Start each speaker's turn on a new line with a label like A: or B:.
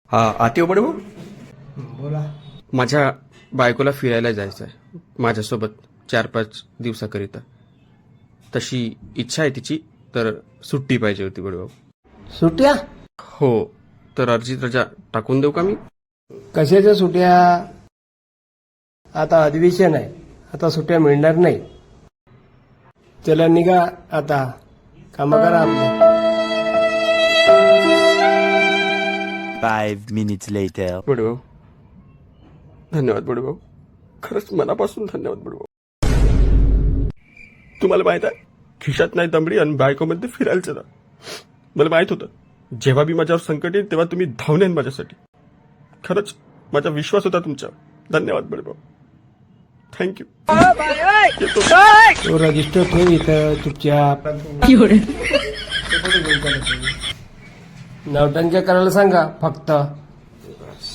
A: हा आते हो बडे भाऊ.
B: बोला.
A: माझ्या बायकोला फिरायला जायचं आहे माझ्यासोबत 4-5 दिवसाकरिता. तशी इच्छा आहे तिची, तर सुट्टी पाहिजे होती बडे भाऊ.
B: सुट्या?
A: हो, तर अर्जित रजा टाकून देऊ का मी?
B: कशाच्या सुट्या? आता अधिवेशन आहे, आता सुट्या मिळणार नाही. चला निघा आता, काम करा आपले.
C: 5 minutes later.
A: बडे भाऊ, धन्यवाद बडे भाऊ, खरंच मनापासून धन्यवाद बडे भाऊ. तुम्हाला माहित आहे, खिशात नाही दमडी आणि बायकोमध्ये फिरायला चला. मला माहित होतं, जेव्हा बी माझ्यावर संकट येईल तेव्हा तुम्ही धावून येईन माझ्यासाठी. खरंच माझा विश्वास होता तुमच्यावर. धन्यवाद बडे भाऊ, थँक्यू.
B: तो रजिस्टर ठेव इथं चुपचाप. नवटंक्या करायला सांगा फक्त.